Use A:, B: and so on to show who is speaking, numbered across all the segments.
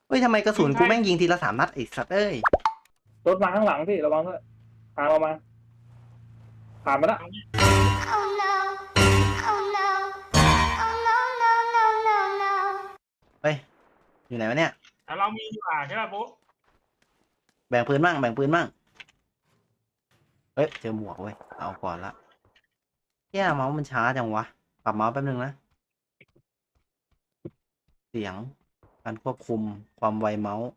A: เฮ้ยทำไมกระสุนกู
B: ปืนใช่
A: แม่งยิงทีละ3 นัดไอ้สัตว์เอ้ย
C: รถมาข้างหลังพี่ระวังด้วยทางเรามาผ่านมาละ
D: Oh no. Oh no. Oh no, no, no, no, no.
A: เฮ้ยอยู่ไหนวะเนี่ย
B: แต่เรามีดีกว่าใช่ป่ะปุ๊
A: แบ่งปืนบ้างแบ่งปืนบ้างเฮ้ยเจอหมวกเว้ยเอาก่อนละเฮียเมาส์มันช้าจังวะปรับเมาส์แป๊บนึงนะเสียงการควบคุมความไวเมาส์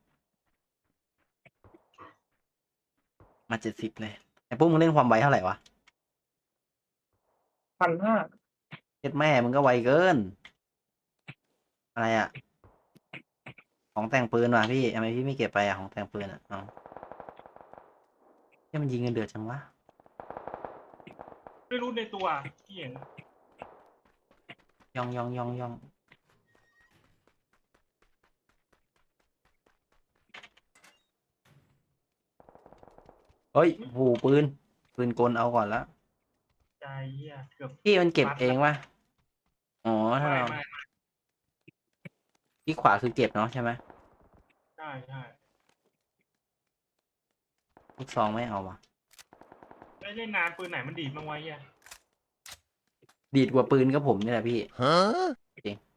A: มา70เลยไอ้พวกมึงเล่นความไวเท่าไหร่วะ
C: 1,500
A: เจ็ดแม่มึงก็ไวเกินอะไรอะของแต่งปืนว่ะพี่ทำไมพี่ไม่เก็บไปอะของแต่งปืนอะเอาเฮียมันยิงกันเดือดจังวะ
B: ไม่รู้ในตัวที่เห็น
A: ย่องย่องย่องย่องเฮ้ยโหปืนกลเอาก่อนละ
B: ใจเหี้ยเกือบ
A: พี่มันเก็บเองวะอ๋อถ้า
B: ไม่
A: เรา
B: ไม่
A: ที่ขวาคือเก็บเนาะใช่ไหม
B: ใช่ใช่
A: ลูกซองไม่เอาวะ
B: ไม่เล่นนานปืนไหนมันดีดบ้างไวะเหี้ย
A: ดีดกว่าปืนก็ผมนี่แหละพี่จริง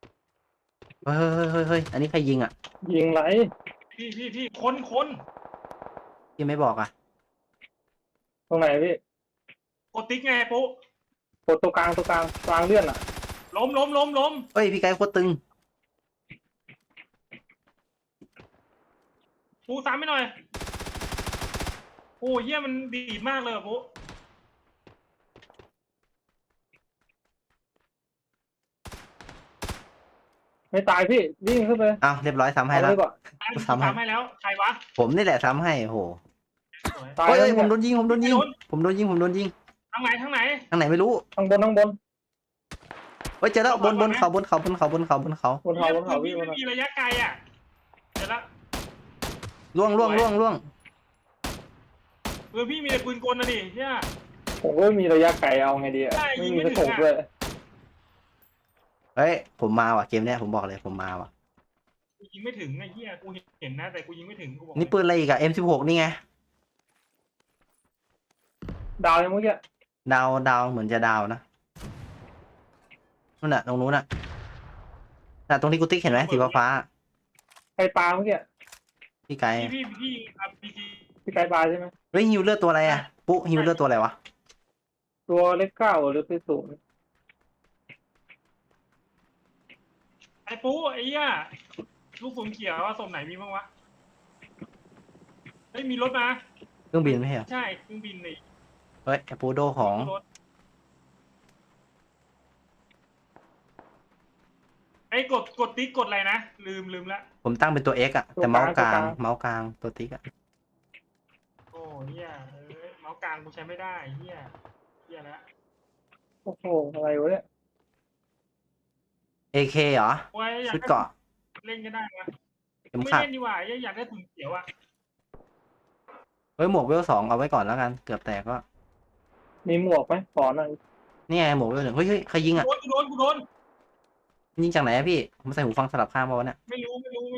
A: เฮ้ยอันนี้ใครยิงอ่ะ
C: ยิงไหล
B: พี่คน
A: พี่ไม่บอกอ่ะ
C: ตรงไหนพี่
B: กดติ๊กไงปุ๊
C: กดตัวกลางเลื่อนอ่ะ
B: ล้ม
A: เฮ้ยพี่ไกด์โคตรตึง
B: ปุ๊ซ้ำไม่หน่อยโอ้เหี้ยมันดีดมากเลยอะปุ๊
C: ไม่ตายพี่วิ่งขึ้นไป
A: อ้าวเรียบร้อยซ้ำให้
C: เอา
A: แล้ว
C: เลยก่อน
A: ซ้ำให้
B: ซ้ำให้แล้วใครวะ
A: ผมนี่แหละซ้ำให้โอ้โห
B: สวย
C: ตาย
A: เฮ้ย
C: แล้ว
A: เฮ้ยผมโด
C: เนี่ย
A: นยิงผมโดนยิงผมโดนยิงผมโดนยิง
B: ทางไหน
A: ทางไหนไม่รู้
C: ข้างบน
A: เฮ้ยเจอแล้วบนเขาบนเขา
C: บนเขา
B: พี่
C: พี่บ
B: ไม่
C: นเขา
B: มีระยะไกลอ่ะเดี๋ยวละ
A: ล่วง
B: ปืนพี่มีแต่ปืนกลนะดิเนี่ย
C: ผมก็ไม่มีระยะไกลเอาไงดีอ่ะ
B: ใช่
C: ไม่
B: ยิง
C: มี
B: ไม่
C: กระ
B: ถึ
C: สุ
B: ง
C: น
B: อะ
C: ด้วย
A: เฮ้ยผมมาว่ะเกมเนี้ยผมบอกเลยผมมาว่ะ
B: กูยิงไม่ถึงไอ้เหี้ยกูเห็นนะแต่กูยิงไม่ถึงกูบอก
A: นี่ปืนอะไรอีกอะ M16 นี่ไง
C: ดาวยังเมื่อกี้
A: ดาวเหมือนจะดาวนะนู่นน่ะตรงนู้นน่ะตรงที่กูติ๊กเห็นไหมสีฟ้า
C: ใครปลาเมื่อกี้
A: พี่ไกด์
B: พี่ครับพี่
C: พี่ไกลปลาใช่ไหม
A: เฮ้ยฮิวเลือดตัวอะไรอะปุ๊ฮิวเลือดตัวอะไรวะ
C: ตัวเล็ก9หรือเป็น0
B: ไอ้ปุ๊ไอ้เหี้ยลูกศรเขียวว่าศพไหนมีบ้างวะเฮ้ยมีรถมา
A: เครื่องบินไม่ใช่เหรอ
B: ใช่เครื่องบินเลย
A: เฮ้ยไอ้ปูโดของ
B: รถไอ้กดติ๊กกดอะไรนะลืมละ
A: ผมตั้งเป็นตัว X อะแต่เมาส์กลางตัวติ๊กอะ
B: โอ้เหี้ยเมาส์กลางกูใช้ไม่ได้เหี้ยแล้ว
C: โอ้โหอะไรวะเนี่ย
A: AK เหรอ
B: โอ้ยอยาก
A: ชุดเกราะ
B: เล่นก็ได้นะ
A: เข็ม
B: ไม่
A: ขัด
B: เล่นดีกว่าอยากได้ถุงเขียวอ่ะ
A: เฮ้ยหมวกเวล2เอาไว้ก่อนแล้วกันเกือบแตกก็
C: มีหมวกไหมขอหน่อย
A: นี่ไงหมวกเวล1เฮ้ยใครยิงอะ
B: กูโดน
A: ยิงจากไหนอะพี่ผมใส่หูฟังสลับข้างมาวะเนี่ย
B: ไม่รู้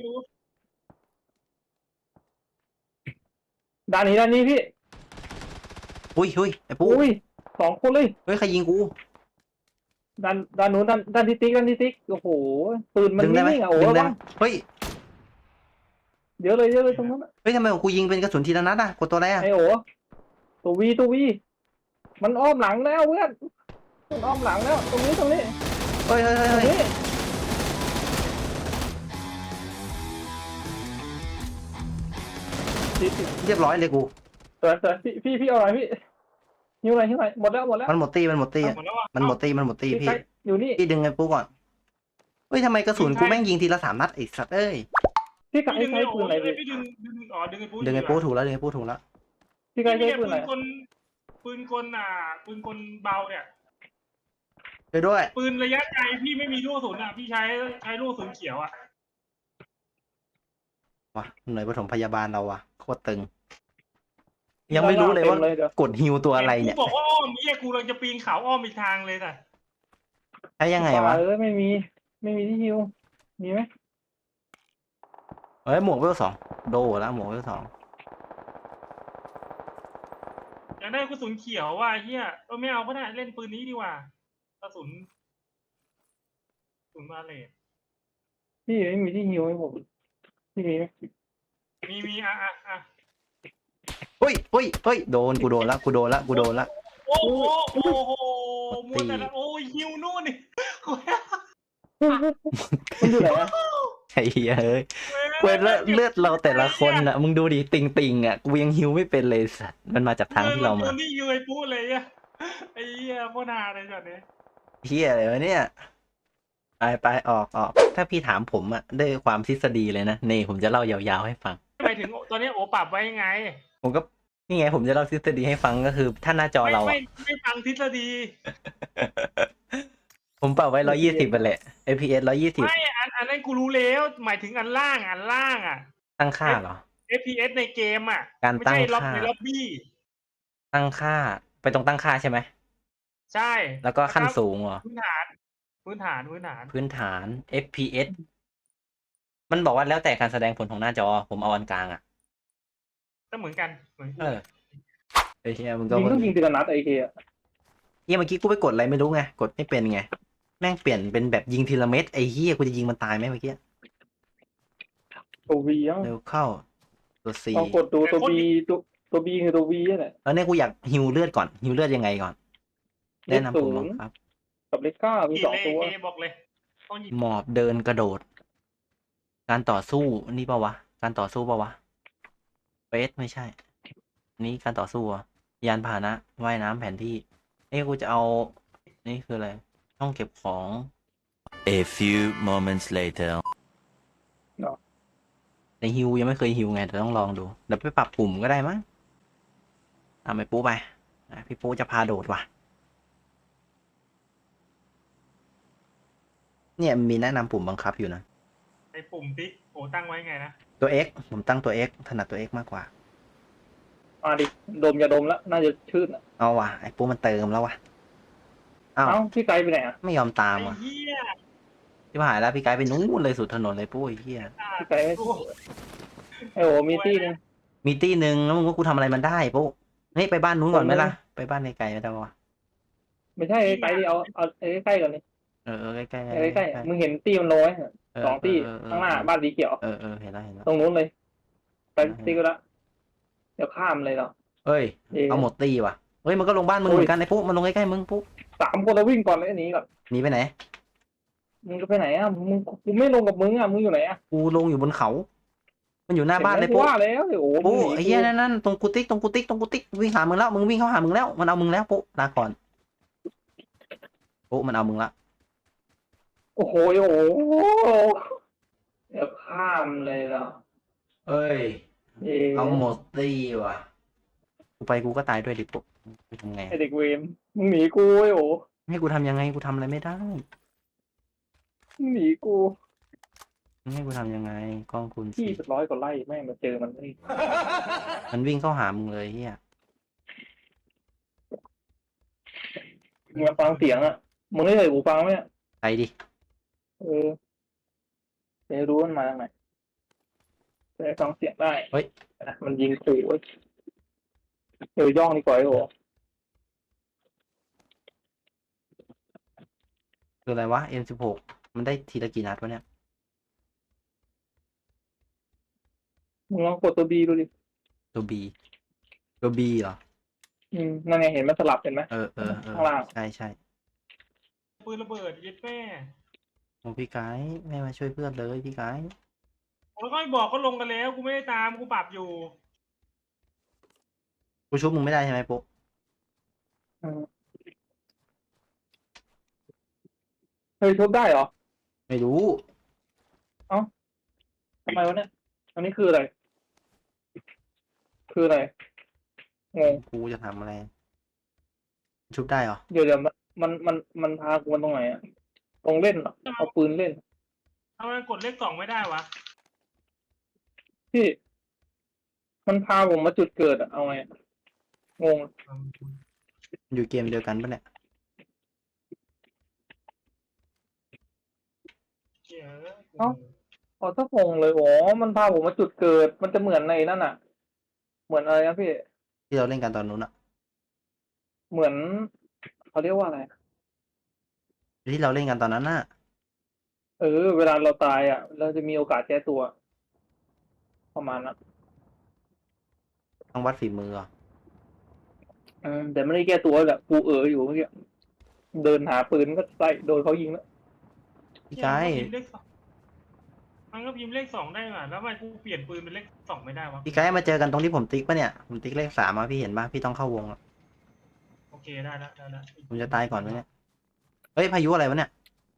C: ด้านนี้พี่
A: อุ้ยไอ้ปู
C: อุ้ย2 คนเลย
A: เฮ้ยใครยิงกู
C: ด้านนู้นด้านที่ติ๊กโอ้โหปืนมัน
A: ดึงได้ไหม
C: นิ่งๆอ่ะโอ้
A: ดึงได้
C: ระ
A: ไหม
C: วัง
A: เฮ้ย
C: เดี๋ยวเลยตรงนั้นอะ
A: เฮ้ยทำไมของกูยิงเป็นกระสุนทีละนัดอะกดตัวอะไรอะ
C: ไอโอตัววีมันอ้อมหลังแล้วเพื่อนมันอ้อมหลังแล้วตรงนี้
A: เฮ้ย
C: ตรงนี้
A: เรียบร้อยเลยกู
C: สวยพี่เอาหน่อยพี่หิวหน่อยหมดแล้ว
A: มันหมดตีอะ
B: หมดแล้วอ่ะ
A: มันหมดตี
C: พี่
A: พี่
C: ใครอยู่นี่
A: พี่ดึงไอ้ปูก่อนเฮ้ยทำไมกระสุนกูแม่งยิงทีละ3 นัดไอ้สัตว์เอ้ย
C: พี่ใคร
B: ดึง
C: ใช้ปืนอะไรพี่
B: พี่ดึงดึงไอ้ปุ๊
A: ดึงไอ้ปูถูกแล้วดึงไอ้ปูถูกแล้ว
C: พี่ใคร
B: พี่
C: ใช้
B: เนี่ย
C: ปืนอะไร
B: ปืนกลปืนกลเบาเนี่ย
A: ไปด้วย
B: ปืนระยะไกลพี่ไม่มีลูกศรอ่ะพี่ใช้ลูกศรเขียวอ่ะ
A: ว่ะหน่วยปฐมพยาบาลเราว่ะโคตรตึงยังไม่รู้เลยว่ากดฮิวตัวอะไรเนี่ย
B: กูบอกว่าอ้อมกูกำลังจะปีนเขาอ้อมอีกทางเลยน่ะ
A: ใช้ยังไงวะ
C: ไม่มีที่หิวมีไหม
A: เฮ้ยหมวกเวลสองโดแล้วหมวกเวลสอง
B: อยากได้กระสุนเขียวว่ะเฮียไม่เอาก็ได้เล่นปืนนี้ดีกว่ากระสุนบาเลต
C: พี่ไม่มีที่ฮิวให้ผมพี่มีไหม
B: มีอ่ะ
A: เฮ้ยเฮ้ยเฮ้ยโดนกูโดนละกูโดนละกูโดนละ
B: โอ้โหมัว
A: ตี
B: แต่ละโอ้ยฮิวนู่นนี่
C: มันอยู่ไหนอะ
A: ไอ้เหี้ยเฮ้ยเว้ยเลือดเราแต่ละคนอ่ะมึงดูดิติงอ่ะกูยังฮิวไม่เป็นเลยสัตว์มันมาจากทางที่เรามา
B: ตัวนี้ยูไอ้ปูเลยอ่ะไอ้เหี้ยโคตรฮาเลยจัดเนี่ย
A: เฮียอะไรวะเนี่ยไปออกถ้าพี่ถามผมอะด้วยความทฤษฎีเลยนะนี่ผมจะเล่ายาวๆให้ฟัง
B: ไปถึงตอนนี้โอปรับไว้ยังไง
A: ผมก็นี่ไงผมจะเล่าทฤษฎีให้ฟังก็คือถ้าหน้าจอเรา
B: ไม่ฟังทฤษฎี
A: ผมปรับไว้120ไปแหละ FPS 120
B: ไม่อันนั้นกูรู้แล้วหมายถึงอันล่างอ่ะ
A: ตั้งค่าเหรอ
B: FPS ในเกมอ่ะ
A: การ
B: ไม่
A: ตั้ง
B: ใช่ล็อบ
A: ค่า
B: ในล็อบบี้
A: ตั้งค่าไปตรงตั้งค่าใช่ไหม
B: ใช่
A: แล้วก็ขั้นสูงเหรอ
B: พื้นฐาน
A: FPS มันบอกว่าแล้วแต่การแสดงผลของหน้าจอผมเอาอันกลางอะ
B: ก็เหมือนกันเหมือน
A: เออไอ้เหี้ยมึงก็
C: ยิงต้องยิงทีละนัดไอ้เหี้ย
A: เหี้ยเมื่อกี้กูไปกดอะไรไม่รู้ไงกดไม่เป็นไงแม่งเปลี่ยนเป็นแบบยิงทีละเม็ดไอ้เหี้ยกูจะยิงมันตายไหมเมื่อกี้
C: ตัววียัง
A: เร็วเข้าตัว C
C: ลองกดดูตัวบีตัวบีคือตัววีนี่แหละ
A: แล้วเนี่ยกูอยากฮิวเลือดก่อนฮิวเลือดยังไงก่อน
C: เล
A: แนะ
C: ข
A: นำผม
C: ศู
A: บ้าง
C: นย์
A: ครับ
C: กับเลขเก้ามี
B: กี่
C: สอง
B: เล
C: ตัว
B: เอบอกเลยต้องหยิบ
A: หมอบเดินกระโดด การต่อสู้นี่ปะวะการต่อสู้ปะวะเฟสไม่ใช่ นี่การต่อสู้อะยานพาหนะว่ายน้ำแผนที่กูจะเอานี่คืออะไรห้องเก็บของ
E: A few moments later.
A: ในฮิวยังไม่เคยฮิวไงแต่ต้องลองดูเดี๋ยวไปปรับปุ่มก็ได้มั้งเอาไปปูไปพี่ปูจะพาโดดว่ะเนี่ยมีแนะนำปุ่มบังคับอยู่นะ
B: ไอ้ปุ่มติ๊กโอ้ตั้งไว้ไงนะ
A: ตัว X ผมตั้งตัว X ถนัดตัว X มากกว่า
C: มาดิดมยาดมแล้วน่าจะชื่นอ่ะ
A: เอาว่ะไอ้ปูมันเติมแล้วว่ะอ้าว
C: เอ้าพี่ไกลไปไหนอ่ะ
A: ไม่ยอมตาม
B: ไอ้
A: ว่ะ
B: เหี้ย
A: ที่หายแล้วพี่ไกด์ไปนู้นเลยสุดถนนเลยปู้ไอ้เหี้ย
C: พี่ไกลไม่ไอ้โอ้มีที่นึง
A: มีตี้หนึ่งแล้วมึงว่ากูทำอะไรมันได้ปู้นี่ไปบ้านนู้นก่อนไหมล่ะไปบ้านไกลๆไม่ได้ปะวะ
C: ไม่ใช่ไกลดิเอาใกล้ๆก่อนนี่
A: ใกล้ๆ
C: ใกล้ๆมึงเห็นตีมันโรยสองตีข้างหน้าบ้านสีเขียว
A: เห็นแล้ว
C: ตรงนู้นเลย ไปตีก็ละเดี๋ยวข้ามเลยเหรอ
A: เอ้ยเอาหมดตี้ว่ะเฮ้ยมันก็ลงบ้านมึงเหมือนกันไอ้ปุ๊มันลงใกล้ๆมึงปุ๊
C: 3 คนแล้ววิ่งก่อนเลยหนีก่อน
A: หนีไปไหน
C: มึงจะไปไหนอ่ะมึงกูไม่ลงกับมึงอ่ะมึงอยู่ไหนอ่ะ
A: กูลงอยู่บนเขา มันอยู่หน้าบ้านเลยปุ๊
C: ว่าแล้วโอ้
A: ปุ๊ไอ้เหี้ยนั่นตรงกูติ๊กวิ่งหามึงแล้วมึงวิ่งเข้าหามึงแล้วมันเอามึงแล้วปุ๊ลาก่อนปุ๊มันเอามึงละ
C: โอ้โหเดี๋ยวข้ามเลยเหรอ
A: เอ้ยเอาหมดตี้ว่ะกูไปกูก็ตายด้วยดิปุ๊กูทำไง
C: ไอเด็กเวมมึงหนีกูโอ้
A: ให้กูทำยังไงกูทำอะไรไม่ได้
C: มึงหนีกู
A: ให้กูทำยังไงกล้องคุณ
C: ที่
A: สิ
C: เป็น100 กว่าไร่แม่งมาเจอมันนี่
A: มันวิ่งเข้าหามึงเลยเฮีย
C: มึงมาฟังเสียงอ่ะมึงได้เคยหูฟังไหมเนี่ย
A: ไปดิ
C: จะรู้มันมาจากไหนจะได้ฟังเสียงได้
A: เฮ้ย
C: มันยิงขู่เว้ยย่องดีกว่าไอ้โอ้
A: คืออะไรวะ M16 มันได้ทีละกี่นัดวะเนี่ย
C: มึงลองกดตัวบีดูดิ
A: ตัว B เหรอ
C: นั่นไงเห็นมันสลับเห็นไหม ข้างล่าง
A: ใช่
B: ปืนระเบิดยึดแม่
A: โอ้พี่ไกด์ไม่มาช่วยเพื่อนเลยพี่ไกด์
B: แล้วก็ไม่บอกก็ลงกันแล้วกูไม่ได้ตามกูปรับอยู่
A: กูชุบมึงไม่ได้ใช่ไหมปุ๊
C: เฮ้ยทุบได้เหรอ
A: ไม่รู้
C: ทำไมวะเนี่ยอันนี้คืออะไร คืออะไรงง
A: กูจะทำอะไร ชุบได้เหรอ
C: เดี๋ยวมันพากูมันตรงไหนอะตรงเล่นเหรอเอาปืนเล่น
B: ทำไมกดเลข 2ไม่ได้วะ
C: พี่ มันพาผมมาจุดเกิดอะเอาไงงง
A: อยู่เกมเดียวกันปะเนี่ย
B: เหี้ย
C: อ๋อถ้าพงเลยอ๋อมันพาผมมาจุดเกิด มันจะเหมือนในนั่นอ่ะ เหมือนอะไรนะพี่
A: ที่เราเล่นกันตอนนู้นอะ
C: เหมือนเขาเรียกว่าอะไร
A: ที่เราเล่นกันตอนนั้นน่ะ
C: เวลาเราตายอ่ะ เราจะมีโอกาสแก้ตัว ประมาณนั้น
A: ต้องวัดฝีมืออะ
C: แต่ไม่ได้แก้ตัวแหละกูอยู่เมื่อกี้เดินหาปืนก็ใส่โดนเขายิงแล้ว
A: พี่
B: เหี้ย
A: ไก
B: มันก็พิมพ์เลขสองได้ว่ะแล้วทำไมกูเปลี่ยนปืนเป็นเลขสองไม่ได้วะ
A: พี่ไกมาเจอกันตรงที่ผมติ๊กปะเนี่ยผมติ๊กเลข 3มาพี่เห็นปะพี่ต้องเข้าวงอะ
B: โอเคได้แล้วได้แล้ว
A: ผมจะตายก่อนไหมเนี่ยเฮ้ยพายุอะไรวะเนี่ย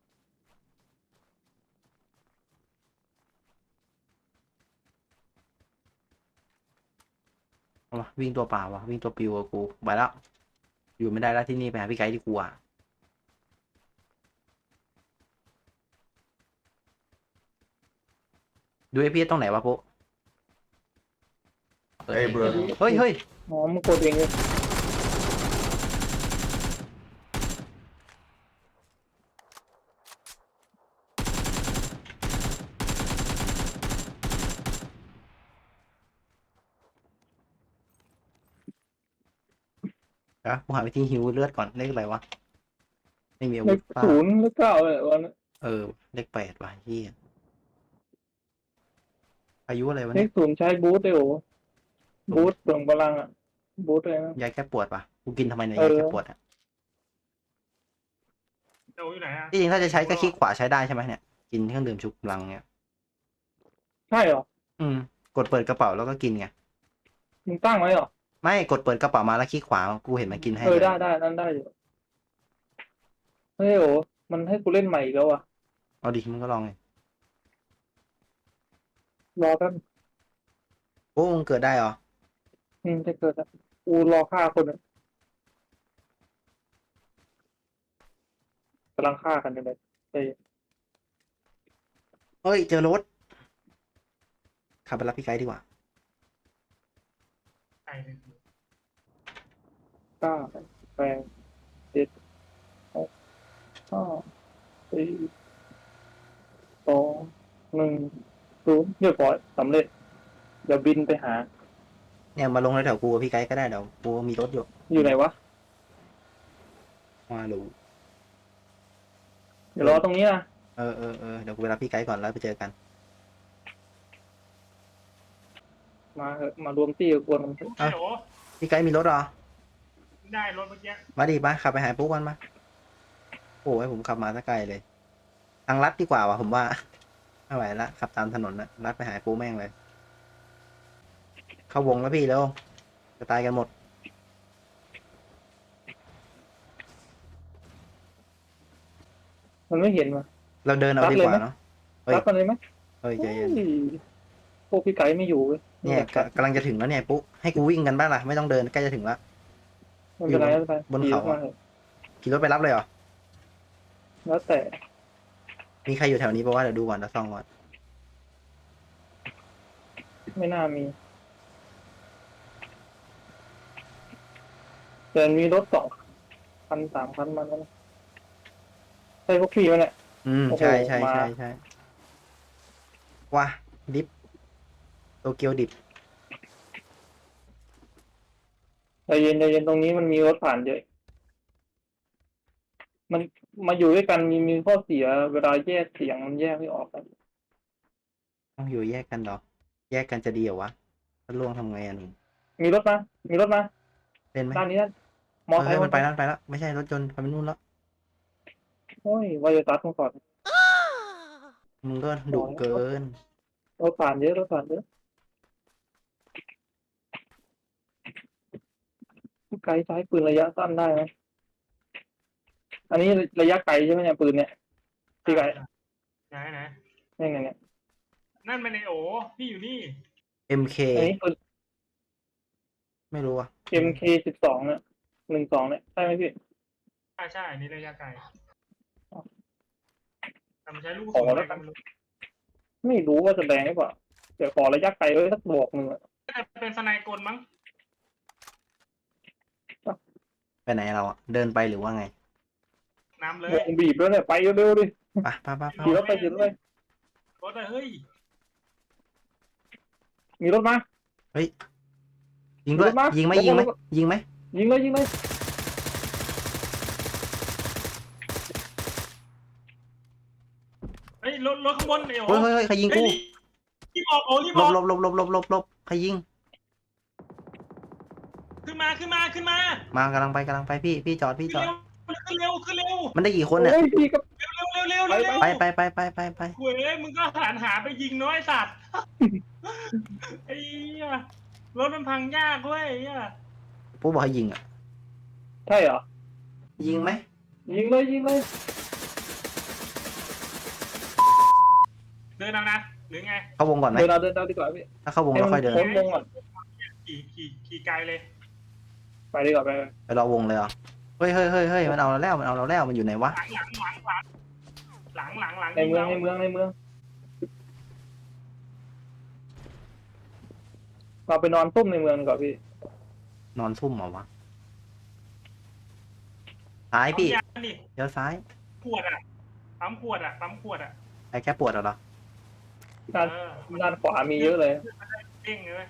A: เอาวะวิ่งตัวเปล่าวะวิ่งตัวปิวอะกูไปแล้วอยู่ไม่ได้แล้วที่นี่ไปหาพี่ไกดีกว่าดูไอพีตรงไหนวะปุ๊
F: Hey, bro.
A: เฮ้ยเฮ้ย
C: อ๋อมึงกดเองเลย
A: เดี๋ยวกูหาวิธีฮิวเลือดก่อนเลขอะไรวะไม่มีอา
C: เล
A: วุ
C: ข
A: ธป่ะ
C: ศูนย์เลขเก้าเลยวันนั้น
A: เลข 8ว่ะเฮียอายุอะไรวะ
C: เล
A: เนี่ย
C: ขศูนย์ใช้บูทได้โอ้บูทเปลืองพลังอ่ะ บูทเลยนะ
A: ยาแก้ปวดป่ะกูกินทำไมเนี่ย
C: เออ
A: ยาแก้ปวดอ่ะ
B: โอ้อยู่ไหนอ่ะ
A: ที่จริงถ้าจะใช้ก็คลิกขวาใช้ได้ใช่ไหมเนี่ยกินเครื่องดื่มชูกำลังเนี่ย
C: ใช่เหรอ
A: กดเปิดกระเป๋าแล้วก็กินไง
C: มึงตั้งไว้เหรอ
A: ไม่กดเปิดกระเป๋ามาแล้วคลิกขวากูเห็นมันกินให้เลย
C: ได้นั่นได้อยู่เฮ้ยโอ้มันให้กูเล่นใหม่อีกแล้วอ่ะ
A: เอาดิมึงก็ลองไง
C: รอแป๊บ
A: โอ้มึงเกิดได้เหรอ
C: จะเกิดอ่ะกูรอฆ่าคนอ่ะกำลังฆ่ากันอยู่เลยเฮ้ย
A: เฮ้ยเจอรถขับไปรับพี่ไกด์ดีกว่า
B: ไก่เลย
C: เก้าแปดเจ็ดหกห้าสี่สองหนึ่งศูนย์เรียบร้อยสำเร็จ เดี๋ยวบินไปหา
A: เนี่ยมาลงแถวๆกูกับพี่ไกด์ก็ได้เดี๋ยวกูมีรถอยู่
C: อยู่ไหนวะ
A: มาดู
C: เดี๋ยวรอตรงนี้นะ
A: เดี๋ยวกูไปรับพี่ไกด์ก่อนแล้วไปเจอกัน
C: มาเถอะมารวมตี้กับกวนมันเถอะ
B: ฮัลโหล
A: พี่ไกด์มีรถเหรอ
B: ได้รถเมื่อกี้
A: มาดิมาขับไปหาปุ๊กกันมาโอ้ยผมขับมาสักไกลเลย ทางลัดดีกว่าวะผมว่า ไม่ไหวละขับตามถนนนะลัดไปหาปุ๊กแม่งเลย เข้าวงแล้วพี่แล้วจะตายกันหมด
C: มันไม่เห็นว่ะ
A: เราเดินเอาดีกว่าเนาะ เฮ้ย
C: รับมันเลยไหม
A: เฮ้ยใจเย็น
C: โอ้ยพวกพี่ไก่ไม่อยู่เว้ย
A: เนี่ยกำลังจะถึงแล้วเนี่ยปุ๊กให้กูวิ่งกันบ้างล่ะไม่ต้องเดินใกล้จะถึงแล้ว
C: ไม่เป็นไรไม่เป็นไร
A: บนเขาอะ
C: ขี่รถมาถอะ
A: ขี่รถไปรับเลยเหรอ
C: แล้วแต่
A: มีใครอยู่แถวนี้ปะวะเดี๋ยวดูก่อนเดี๋ยวส่องก่อน
C: ไม่น่ามีแต่มีรถ2 คัน 3 คันมาแล้วนะใช่พวกพี่มันแหละ โอ้โห
A: ใช่ใช่
C: มา
A: ใช่ใช่ว้าดิฟโตเกียวดิฟ
C: ใจเย็นตรงนี้มันมีรถผ่านเยอะ มันมาอยู่ด้วยกันมีข้อเสีย เวลาแยกเสียงมันแยกไม่ออกกัน
A: ต้องอยู่แยกกันเหรอ แยกกันจะดีเหรอวะถ้าล่วงทำไงอ่ะหนู
C: มีรถมา
A: เล่นไหม
C: ด้านนี้ด้านมอไซ
A: เฮ้ย
C: ค์
A: มันไปแล้วไปแล้วไม่ใช่รถยนต์ไปนู่นแล้ว
C: โอ้ยวายตัดมาก่อน
A: มึงก็ดุเกิน
C: รถผ่านเยอะไกลซ้ายปืนระยะสั้นได้ไหมอันนี้ระยะไกลใช่ไหมเนี่ยปืนเนี่ยพี่ไก่
B: ไหน
C: เนี่ย
B: นั่นมันไอโอพี่อยู่นี่
A: MK
C: อันนี้ปืน
A: ไม่รู้อ่ะ
C: MK12เนี่ย12เนี่ยใช่ไหมพี่
B: ใช่อันนี้ระยะไกลแต่มันใช้ลูก
C: ขอแล้วกัน ไม่รู้ว่าจะแรงหรือเปล่าเดี๋ยวขอระยะไกลไว้สักบอกหนึ่งอะ
B: น่าจะเป็นสไนกลมั้ง
A: ไปไหนเราอ่ะเดินไปหรือว่าไง
B: น้ำเลยว
C: งบีบแล้วเนี่ยไปเร็วๆดิ
A: ไป
C: ขี่รถไป
B: รถอะเฮ้ย
C: มีรถมา
A: ยิงด้วย
C: รถมา
A: ยิงไหม
C: รถมา
A: ยิงไหม
C: รถมา
A: ยิงไหม
C: ยิงเลยยิงเลย
B: เฮ้ยรถข้างบนไอ้โอ้
A: เฮ้ยใครยิงกู
B: รีบออกโอ้รีบ
A: หล
B: ออบ ก
A: หลบใครยิง
B: ขึ้นมาม
A: ากำลังไปพี่จอด
B: ขึ้นเร็วขึ้นเร็ว
A: มันได้กี่คนเนี่ย
C: โอ้ยพี่กับ
B: เร็ว
A: ไป
B: คุยมึงก็หาไปยิงน้อยสัตว์ไอ้รถมันพังยากเว้ย
A: ปุ๊บอกให้ยิงอ่ะ
C: ใช่เหรอ
A: ยิงไหม
C: ยิงเลยยิงเลย
B: เดินเอานะหรือไง
A: เข้าวงก่อนไหม
C: เดินเอาดีกว่าพี่
A: ถ้าเข้าวง
C: ให้
A: เรา
C: มั
A: ค่อยเดิน
C: พ้นวงก่อน
B: ขี่ไกลเลย
C: ไปดีกว่าไป
A: ไปรอวงเลยเหรอเฮ้ยมันเอาเราแล้วมันอยู่ไหนวะ
B: หลัง
C: ในเมืองเราไปนอนตุ้มในเมืองดีกว่าพี่
A: นอนซุ่มเหรอวะซ้ายพี่
B: ดิ
A: เดี๋ยวซ้าย
B: ขวดอ่ะปั๊มขวดอ่ะ
A: ไอ้แค่ปวดเหรอ
C: ด้านขวามีเยอะเลย
B: เด้งเลย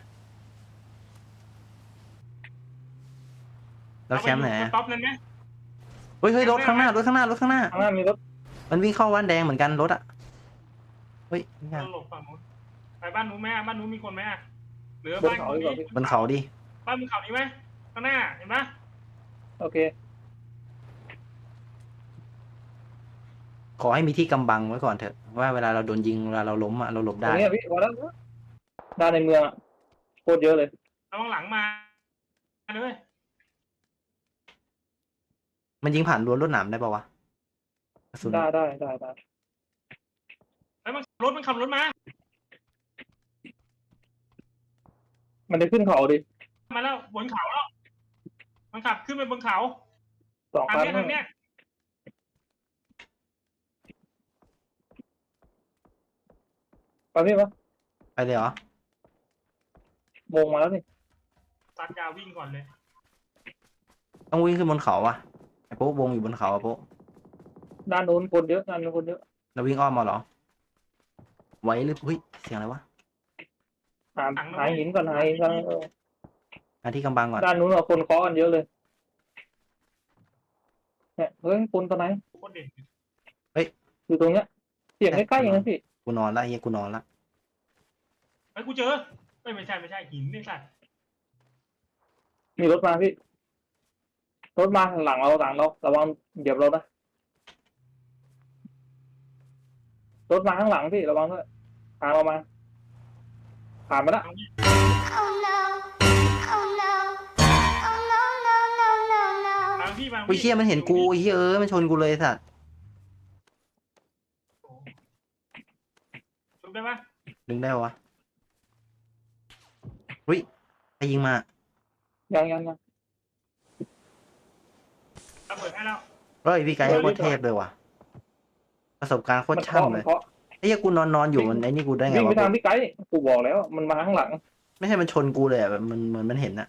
A: แล้วแชมป์ไหน
B: ต๊อปนั่นไหม
A: เฮ้ยรถข้างหน้า
C: ข้างหน้ามีรถ
A: มันวิ่งเข้าบ้านแดงเหมือนกันรถอ่ะเฮ้ย
B: หลบฝั่งนู้นไปบ้านนู้นไหมบ้านนู้นมีคนไหมหรือ
C: บน
B: บ้าน
C: เขาดีกว่าพี่
A: บนเขาดิ
B: บ้านมึงเขานี้ไหมข้างหน้าเห็นปะ
C: โอเค
A: ขอให้มีที่กำบังไว้ก่อนเถอะว่าเวลาเราโดนยิงเวลาเราล้มอ่ะเราหลบ
C: ตร
A: ได้
C: งนี้พี่พอแล้วด้านในเมืองอะโคตรเยอะเลย
B: ระวังหลังมาเลย
A: มันยิงผ่านรั้วรวดหนามได้ปะวะกระสุน
C: ได้
B: แล้วมันขับรถมา
C: มันจะขึ้นเขาดิ
B: มาแล้วบนเขาแล้วมันขับขึ้นไปบนเขา
C: 2
B: ทาง
C: คัน
B: เนี้ย
C: ไปพี่ปะ
A: ไปเลยเหรอ
C: วงมาแล้วนี่
B: ตัดยาวิ่งก่อนเลย
A: ต้องวิ่งขึ้นบนเขาอ่ะไอ้โป๊ะวงอยู่บนเขาอ่ะโป๊ะ
C: ด้านโน้นคนเยอะด้านโน้นคนเยอะ
A: เราวิ่งอ้อมมาเหรอไหวหรือเฮ้ยเสียงอะไรวะ
C: หาหินก่อนหาหินก่อน
A: หาที่กำบังก่อน
C: ด้านนู้นเราคนเคาะกันเยอะเลยเนี่ยเฮ้ยคนตัวไหน
B: โคตรเด่น
C: อยู่ตรงเนี้ยเสียงใกล้ๆอย่างนั้นพี่
A: กูนอนละกูนอนละ
B: ไอ้กูเจอไม่ใช่หินนี่สัตว์
C: มีรถมาพี่รถมาหลังเราระวังเหยียบเรานะรถมาข้างหลังพี่ระวังด้วยทางเรามาผ่านมาละ
D: Oh no. Oh no. Oh no, no, no, no, no.
B: บางพี่บาง
A: ไอ้เชี่ยมันเห็นกูไอ้เชี่ยมันชนกูเลยสัตว์
B: ถูกได้ปะ
A: ดึงได้วะอุ้ยใครยิงมา
C: ยัง
B: ระเบิดให้แล้ว
A: เฮ้ยพี่ไกด์โคตรเทพเลยว่ะประสบการณ์โคตรช่ำเลย
C: เคาะ
A: ไอ้เหี้ยกูนอนอยู่มันไอ้นี่กูได้ไง
C: วิ่งไป
A: วะ
C: ทางพี่ไกด์กูบอกแล้วมันมาข้างหลัง
A: ไม่ใช่มันชนกูเลยอะแบบมันเหมือนมันเห็นอะ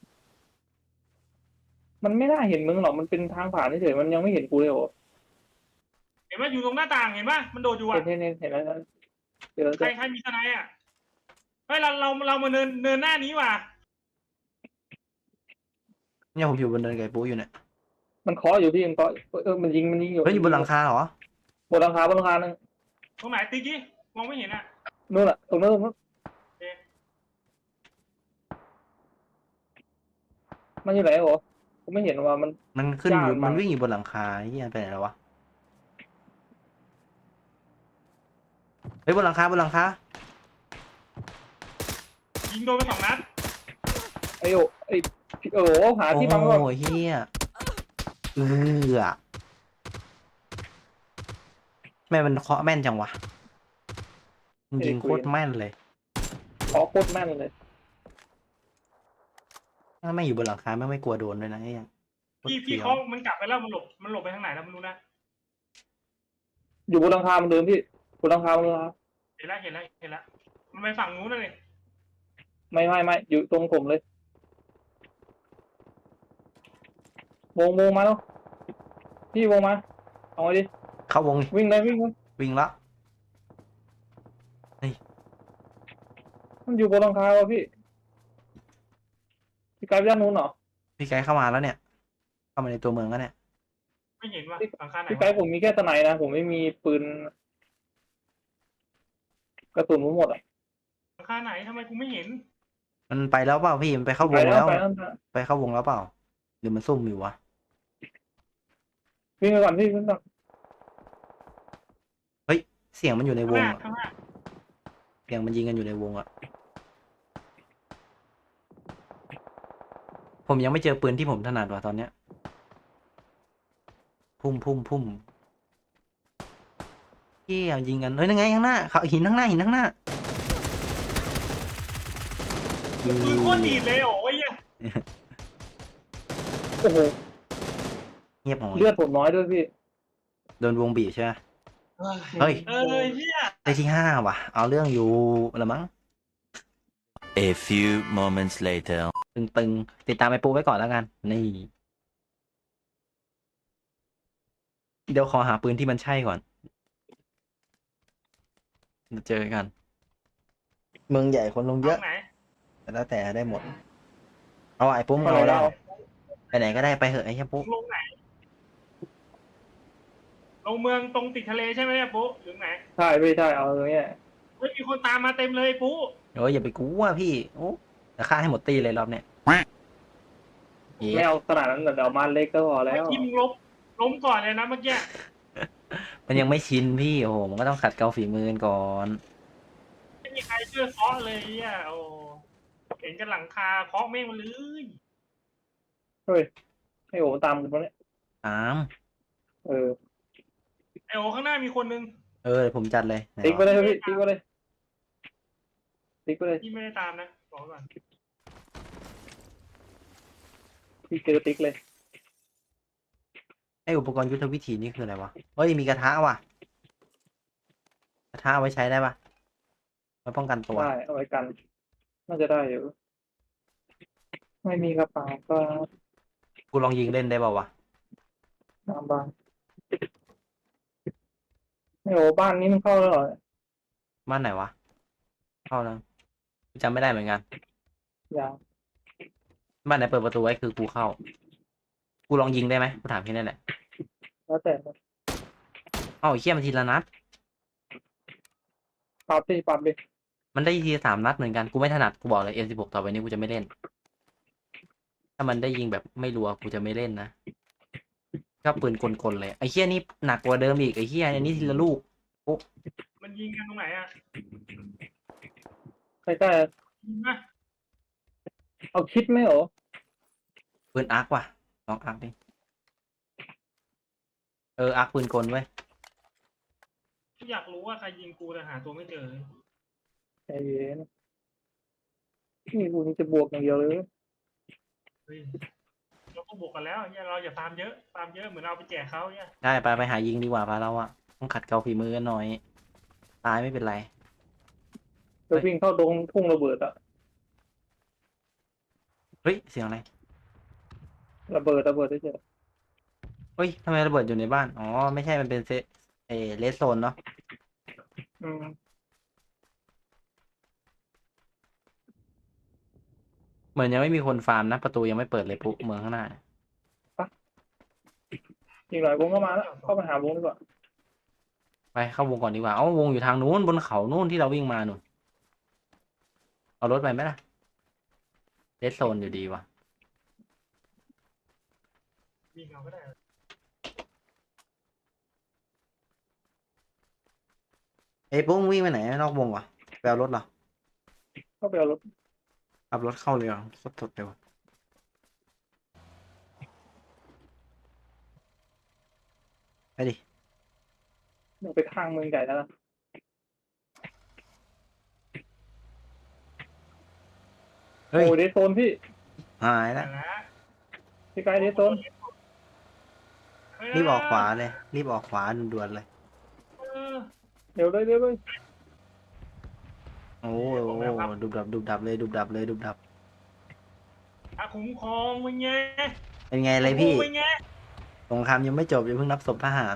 C: มันไม่น่าเห็นมึงหรอกมันเป็นทางผ่านเฉยๆมันยังไม่เห็นกูเลยโอ้
B: เห็นว่าอยู่ตรงหน้าต่างเห็นปะมันโดดอยู่อ่ะ
C: เห็นแล้วเจอ
B: ใครมีทนายอ่ะเฮ้ยเรามาเนินหน้านี้ว่ะ
A: เนี่ยผมอยู่บนเนินไก่ปูอยู่เนี่ย
C: มันเคาะอยู่พี่มันเคาะมันยิงอยู่
A: เฮ้ยอยู่บนหลังคาเหรอ
C: บนหลังคานึง
B: ตรงไหนติ๊กกี้มองไม่เห็นอ่ะ
C: นู่นแหละตรงนู้นมันอยู่ไหนโอ้กูไม่เห็นว่ามัน
A: มันขึ้นอยู่
C: ยากมาก
A: มันวิ่งอยู่บนหลังคาไอ้เหี้ยไปไหนแล้ววะเฮ้ยบนหลังคา
B: ยิงโดนไป2 นัด
C: ไอ้โอ้หาที่บังก่อน
A: โอ้ยเฮียแม่มันเคาะแม่นจังวะมันยิงโคตรแม่นเลย
C: เคาะโคตรแม่นเลย
A: ถ้าไม่อยู่บนหลังคาไม่กลัวโดนด้วยนะไอ้เหี้ย
B: พี่เขามันกลับไปแล้วมันหลบไปทางไหนแล้วไม่รู้นะ
C: อยู่บนหลังคามันเดิมพี่บนหลังคามันเดิม
B: เห็นแล้วมันไปฝั่งนู้นเลย
C: ไม่อยู่ตรงผมเลยวงมาแล้วพี่วงมาเอาไงดิ
A: เข้าวง
C: วิ่งเลย
A: วิ่งละ
C: มันอยู่บนหลังคาวะพี่พี่ไกด์ไปด้านนู้นเหรอ
A: พี่ไกด์เข้ามาแล้วเนี่ย เข้ามาในตัวเมืองแล้วเนี่ย
B: ไม่เห็นว่าหลังคาไหน
C: พี่ไกด์ผมมีแค่สไนด์นะผมไม่มีปืนกระสุนผมหมดอ่ะ
B: หลังคาไหนทำไมกูไม่เห็น
A: มันไปแล้วเปล่าพี่มันไปเข้าว
C: ไป
A: ง
C: แล้
A: แล้ว ว
C: ไปแล้ว
A: ไปเข้าวงแล้วเปล่าหรือมันซุ่มอยู่วะ
C: วิ่งไปก่อนพี่วิ่งก่อน
A: เสียงมันอยู่ในว
B: ข้างห
A: ง
B: น้า
A: อะ
B: ข้างหน้า
A: เสียงมันยิงกันอยู่ในวงอะผมยังไม่เจอปืนที่ผมถนัดว่ะตอนเนี้ย พุ่มเฮียยิงกันเฮ้ยนั่นไงข้างหน้าเขาหินข้างหน้า
B: ปืนโคตรดีดเลยโอ้ย
C: โอ้โห
A: เงียบหน่อย
C: เลือดผมน้อยด้วยพี่
A: โดนวงบีบใช่ไหม เฮ้ย
B: เฮีย
A: ได้ที่ 5ว่ะ เอาเรื่องอยู่ละมั้ง
E: A few moments later.
A: ตึงติดตามไอ้ปูไว้ก่อนแล้วกัน นี่ เดี๋ยวขอหาปืนที่มันใช่ก่อนเจอกัน เมืองใหญ่คนลงเยอะ
B: ไหน
A: แต่แล้วแต่ได้หมด เอาไอ้ปุ๊มเอาแล้วไปไหนก็ได้ไปเหอะไอ้เหี้ยปุ๊
B: ลงไหนลงเมืองตรงติดทะเลใช่ไหมเนี่ยปุ๊หรือไหน
C: ใช่ไม่ใช่เอาตรงเนี้ย
B: เฮ้ยมีคนตามมาเต็มเลยปุ๊
A: โอ้ยอย่าไปกลัวพี่โอ้จะฆ่าให้หมดตีเลยรอบเนี้ยเหี้
C: ไม่
A: ย
C: เอาขนาดนั้นเดี๋ยวมาเล็กก็พอแล้ว
B: ทีมล้มก่อนเลยนะเมื่อกี้
A: มันยังไม่ชินพี่โอ้โหมันก็ต้องขัดเกลาฝีมือกันก่อน
B: ไม่มีใครช่วยเคาะเลยอ่ะโอ้เห็นกันหลังคาเคาะแม่งมาเลย
C: เฮ้ยให้โอ้ตามกันปะเนี่ย
A: ตาม
C: เออ
B: ไอโอข้างหน้ามีคนนึง
A: เดี๋ยวผมจัดเลยไหน
C: ติ๊กไป
A: วะ
C: เลยพี่ติ๊กไปเลยติ๊กไปเลย
B: ที่ไม่ได้ตามนะบอกก่อน
C: พี่เจอติ๊กเลย
A: ไออุปกรณ์ยุทธวิธีนี่คืออะไรวะเฮ้ยมีกระทะว่ะกระทะเอาไว้ใช้ได้ปะไว้ป้องกันตัว
C: ได้เอาไว้กัน น่าจะได้อยู่ ไม่มีกระเป๋าก็
A: กูลองยิงเล่นได้ป่าวะ
C: น้ำบ้านไม่โอ้บ้านนี้มันเข้าแล้วเหรอ
A: บ้านไหนวะเข้าแล้วกูจำไม่ได้เหมือนกัน
C: ยัง
A: บ้านไหนเปิดประตูไว้คือกูเข้า กูลองยิงได้ไหมกูถามแค่นั้นแหละ
C: แล้วแต่
A: เอ้าไอ้เหี้ยมันทีละนัด
C: ปรับดิปรับดิ
A: มันได้ทีละ3 นัดเหมือนกัน กูไม่ถนัด กูบอกเลย M16 ต่อไปนี้กูจะไม่เล่น ถ้ามันได้ยิงแบบไม่รัวกูจะไม่เล่นนะชอบปืนกลๆเลย ไอ้เหี้ยนี่หนักกว่าเดิมอีก ไอ้เหี้ยอันนี้ทีละลูก
B: มันยิงกันตรงไหนอ่ะ
C: ใกล้
B: ยิงนะ
C: ๆเอาคิดไหมโอ้
A: ปืนอาร์คว่ะ ลองอาร์คดิ อาร์คปืนกลเว้ย
B: อยากรู้ว่าใครยิงกูแต่หาตัวไม่เจอเลย
C: ใจเย็นนี่กูจะบวกอย่างเดียวเลย
B: เฮ้ยเราก็บวกกันแล้วเนี่ยเราอย่าฟาร์มเยอะฟาร์มเยอะเหมือนเอาไปแจกเขาเนี่ย
A: ได้ไปหายิงดีกว่าพาเราอะต้องขัดเกลาฝีมือกันหน่อย ตายไม่เป็นไร
C: จะวิ่งเข้าดงทุ่งระเบิดอะ
A: เฮ้ย เสียงอะไร
C: ระเบิดได้เจอ
A: เฮ้ยทำไมระเบิดอยู่ในบ้าน อ๋อ ไม่ใช่ มันเป็นเลสโซนเนาะ
C: อืม
A: เหมือนยังไม่มีคนฟาร์มนะ ประตูยังไม่เปิดเลยปุ๊เมืองข้างหน้า
C: อีกหน่อยวงก็มาแล้วเข้าไปหาวงดีกว่า
A: ไปเข้าวงก่อนดีกว่า เอ้าวงอยู่ทางนู้นบนเขานู้นที่เราวิ่งมาหนูนเอารถไปไหมล่ะเลสโซนอยู่ดีว่ะ
B: ยิงเอาก็ได้
A: เอ้ยปุ๊มึงวิ่งไปไหนนอกวงวะไปเอารถเหรอ
C: เข้าไปเอารถ
A: ขับรถเข้าเลยเหรอสดๆเลยวะไปดิ
C: เดี๋ยวไปข้างเมืองใหญ่แล้วนะ
A: เฮ้ย
C: โอ้เดซโซนพี่
A: หาย
B: แต่
A: แล้ว
B: ละ
C: พี่ไกด์เดซโซน
A: รีบออกขวาเลย รีบออกขวาด่วนๆเลย
B: เออ
C: เดี๋ยวเลย
A: โอ้โหดุบดับเลยดุบดับเลยดุบดับ
B: อาคุ้มครองมึงไง
A: เป็นไงเลยพี่
B: มึงไง
A: สงครามยังไม่จบอย่าเพิ่งนับศพทหาร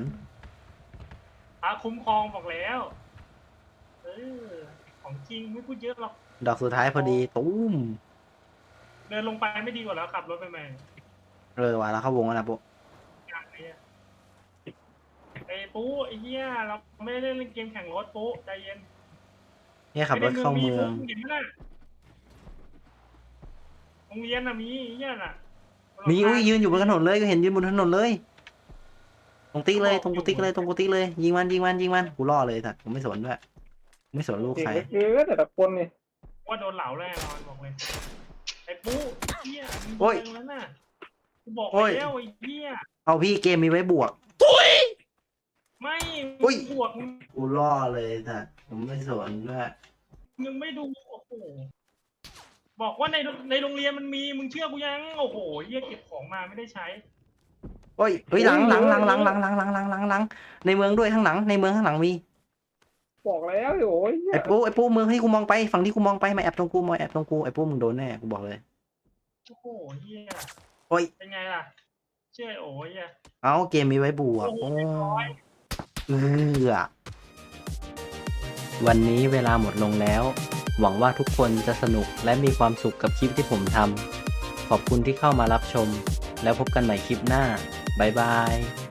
B: อาคุ้มครองบอกแล้ว เออของจริงไม่พูดเยอะหรอก
A: ดอกสุดท้ายพอดีตุ้ม
B: เดินลงไปไม่ดีกว่าแล้วขับรถไปไหม
A: ว่ะแล้วเข้าวงแล้วนะปุ๊
B: อย่างนี้ไอ้ปุ๊ไอ้เหี้ยเราไม่ได้เล่นเกมแข่งรถปุ๊ใจเย็น
A: เนี่ยขับรถเข้าเมือง
B: เห็นไหมน่ะโรงเรียนน่ะมีไอ้เหี้ยน่ะ
A: มีอุ้ยยืนอยู่บนถนนเลยก็เห็นยืนบนถนนเลย ตรงติ๊กเลยตรงกูติ๊กเลยตรงกูติ๊กเลยยิงมันกูล่อเลยสัตว์ผมไม่สนด้วยไม่สนลูก
C: เก่ง
A: ใคร
C: เหลือเกินแต่ละคนนี่
B: ว่าโดนเหลาแน่นอนบอกเลยไอ้ปุ๊เหี้ยมึง
A: โอ้ย
B: เจอแล้วน่ะกูบอก
A: โอ้ย
B: แล้วไอ้เหี้ย
A: เอาพี่เกมมีไว้บวก
B: ไม่
A: อุ้ย
B: บวกมึง
A: กูล่อเลยสัตว์ผมไม่สนด้วย
B: มึงไม่ดูโอ้โหบอกว่าในโรงเรียนมันมีมึงเชื่อกูยังโอ้โหเหี้ยเก็บของมาไม่ได้ใช้
A: โอ้ยเฮ้ยหลังในเมืองด้วยข้างหลังในเมืองข้างหลังมี
C: บอกแล้วโอ้ยเหี้ย
A: ไอ้ปูเมืองที่กูมองไปฝั่งที่กูมองไปมาแอบตรงกูไอ้ปูมึงโดนแน่กูบอกเลย
B: โอ้โหเหี้ย
A: โอ้ย
B: เป็นไงล่ะ เชื่อโอ้ยอ่ะ
A: เอาเกมมีไว้บวก
B: โอ้
A: โอ้
B: โหเรียบร้อย
A: วันนี้เวลาหมดลงแล้ว หวังว่าทุกคนจะสนุกและมีความสุขกับคลิปที่ผมทำขอบคุณที่เข้ามารับชม แล้วพบกันใหม่คลิปหน้าบ๊ายบาย